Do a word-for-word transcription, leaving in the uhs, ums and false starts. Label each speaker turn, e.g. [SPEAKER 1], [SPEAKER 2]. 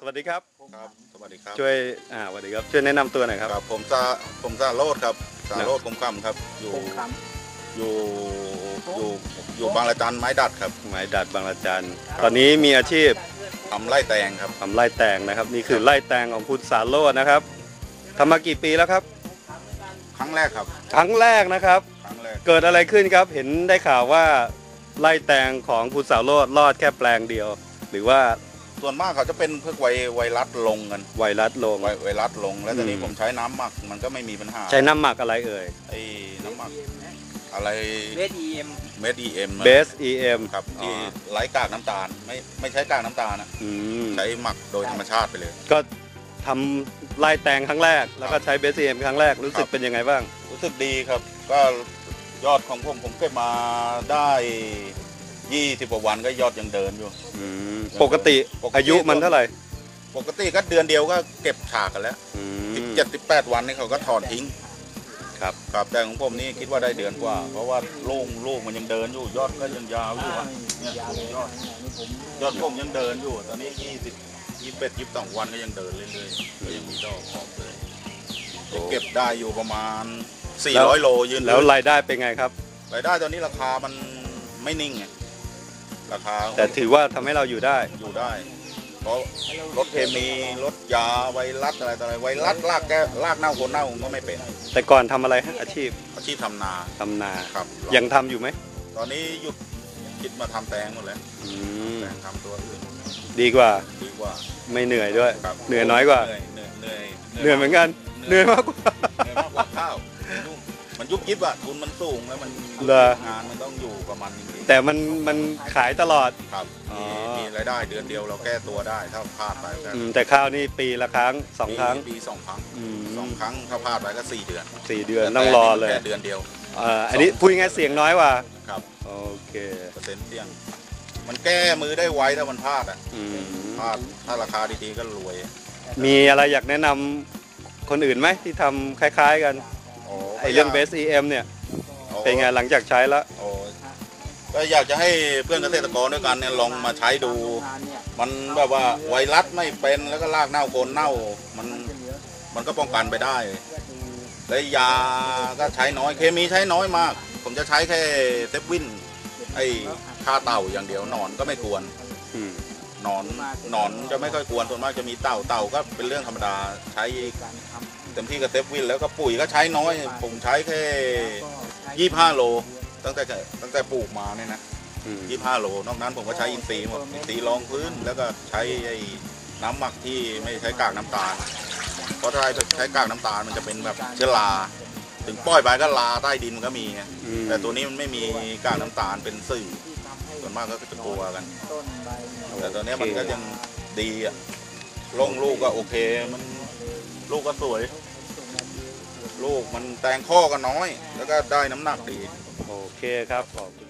[SPEAKER 1] วัสดีครับ
[SPEAKER 2] ครับสวัสดีครับ
[SPEAKER 1] ช่วยอ่าสวัสดีครับช่วยแนะนำตัวหน่อยครับ
[SPEAKER 2] ครับผมซาผมซาโรดครับซาโรดคมคำครับอยู่อยู่อยู่อยู่บางระจันไม้ดัดครับ
[SPEAKER 1] หมายดัดบางระจันตอนนี้มีอาชีพ
[SPEAKER 2] ทำไร่แตงครับ
[SPEAKER 1] ทำไร่แตงนะครับนี่คือไร่แตงของคุณสาโรจน์นะครับทำมากี่ปีแล้วครับ
[SPEAKER 2] ครั้งแรกครับ
[SPEAKER 1] ครั้งแรกนะครับ
[SPEAKER 2] ครั้งแรก
[SPEAKER 1] เกิดอะไรขึ้นครับเห็นได้ข่าวว่าไร่แตงของคุณสาโรจน์รอดแค่แปลงเดียวหรือว่า
[SPEAKER 2] ส่วนมากเขาจะเป็นเพื่อไวไวรัสลงกัน
[SPEAKER 1] ไวรัสลง
[SPEAKER 2] ไวไวรัสลงแล้วตอนนี้ผมใช้น้ำหมักมันก็ไม่มีปัญหา
[SPEAKER 1] ใช้น้ำหมักอะไรเอ่ย
[SPEAKER 2] ไอ้น้ำหมักอะไร
[SPEAKER 3] เบส อี เอ็ม
[SPEAKER 2] เมด อี เอ็ม
[SPEAKER 1] เบส อี เอ็ม
[SPEAKER 2] ครับที่ไร้กากน้ำตาลไม่ไม่ใช้กากน้ำตาลนะใช้หมักโดยธรรมชาติไปเลย
[SPEAKER 1] ก็ทำไร่แตงครั้งแรกแล้วก็ใช้เบส อี เอ็ม ครั้งแรกรู้สึกเป็นยังไงบ้าง
[SPEAKER 2] รู้สึกดีครับก็ยอดของผมผมเก็บมาได้ยี่สิบกว่าวันก็ยอดยังเดินอยู่
[SPEAKER 1] ปกติอายุมันเท่าไหร่
[SPEAKER 2] ปกติก็เดือนเดียวก็เก็บฉากกันแล้วสิบเจ็ดสิบแปดวันนี่เขาก็ถอนทิ้ง
[SPEAKER 1] ครับ
[SPEAKER 2] ครับแต่ของผมนี่คิดว่าได้เดือนกว่าเพราะว่าลูกลูกมันยังเดินอยู่ยอดก็ยังยาวอยู่เนี่ยยอดยอดผมยังเดินอยู่ตอนนี้ยี่สิบยี่สิบเอ็ดยี่สิบสองวันก็ยังเดินเรื่อยๆก็ยังมีดอกออกเลยเก็บได้อยู่ประมาณสี่ร้อยโลยืน
[SPEAKER 1] แล้วรายได้เป็นไงครับ
[SPEAKER 2] รายได้ตอนนี้ราคามันไม่นิ่งไงราคา
[SPEAKER 1] แต่ถือว่าทำให้เราอยู่ได้
[SPEAKER 2] อยู่ได้เพราะรถเคมีรถยาไวรัสอะไรต่ออะไรไวรัสลากแกลากเน่าคนเน่าก็ไม่เป็น
[SPEAKER 1] แต่ก่อนทำอะไรอาชีพ
[SPEAKER 2] อาชีพทำนา
[SPEAKER 1] ทำนา
[SPEAKER 2] ครับ
[SPEAKER 1] ยังทำอยู่ไหม
[SPEAKER 2] ตอนนี้หยุดคิดมาทำแตงหมดแล้วแตงทำตัวอื่น
[SPEAKER 1] ดีกว่า
[SPEAKER 2] ดีกว่า
[SPEAKER 1] ไม่เหนื่อยด้วยเหนื่อยน้อยกว่า
[SPEAKER 2] เหนื่อยเหนื่อยเหนื่อย
[SPEAKER 1] เหนื่อยเหมือนกันเหนื่อยมากกว่า
[SPEAKER 2] เหนื่อยมากกว่าข้าวมันยุบยิบอะทุนมันสูงแล้วมันงานมันต้องอยู่ประมาณนี้
[SPEAKER 1] แต่มันมันขายตลอด
[SPEAKER 2] ครับมีรายได้เดือนเดียวเราแก้ตัวได้ถ้าพลาดไป
[SPEAKER 1] แต่ข้าวนี่ปีละครั้งสองครั้ง
[SPEAKER 2] ปีสองครั้งสองครั้งถ้าพลาดไปก็สี่เดือน
[SPEAKER 1] สี่เดือนต้องรอเลย
[SPEAKER 2] แค่เดือนเดียว
[SPEAKER 1] อันนี้พูดง่ายเสียงน้อยกว่า
[SPEAKER 2] ครับ
[SPEAKER 1] โอเค
[SPEAKER 2] เปอร์เซ็นต์เสี่ยงมันแก้มือได้ไวถ้ามันพลาดอ่ะพลาดถ้าราคาดีๆก็รวย
[SPEAKER 1] มีอะไรอยากแนะนำคนอื่นไหมที่ทำคล้ายๆกันไอเรื่องเบส อี เอ็ม เนี่ยเป็นไงหลังจากใช้แล้ว
[SPEAKER 2] ก็อยากจะให้เพื่อนเกษตรกรด้วยกันเนี่ยลองมาใช้ดูมันแบบว่าไวรัสไม่เป็นแล้วก็รากเน่าโคนเน่ามันมันก็ป้องกันไปได้และยาก็ใช้น้อยเคมีใช้น้อยมากผมจะใช้แค่เซฟวินไอ้ฆ่าเต่าอย่างเดียวหนอนก็ไม่กวนหนอนหนอนจะไม่ค่อยกวนส่วนมากจะมีเต่าเต่าก็เป็นเรื่องธรรมดาใช้เต็มที่กับเซฟวินแล้วก็ปุ๋ยก็ใช้น้อยผมใช้แค่ยี่สิบห้าโลตั้งแต่ตั้งแต่ปลูกมาเนี่ยนะยี่สิบห้าโลนอกนั้นผมก็ใช้อินทรีย์หมดอินทรีย์รองพื้นแล้วก็ใช้ไอ้น้ำหมักที่ไม่ใช้กากน้ำตาลเพราะถ้าใช้กากน้ำตาลมันจะเป็นแบบเชื้อราถึงปล่อยไปก็ลาใต้ดินมันก็มีไงแต่ตัวนี้มันไม่มีกากน้ำตาลเป็นสื่อส่วนมากก็จะกลัวกันแต่ตัวนี้มันก็ยังดีอะลงลูกก็โอเคมันลูกก็สวยลูกมันแตงข้อก็น้อยแล้วก็ได้น้ำหนักดี
[SPEAKER 1] โอเคครับขอบคุณ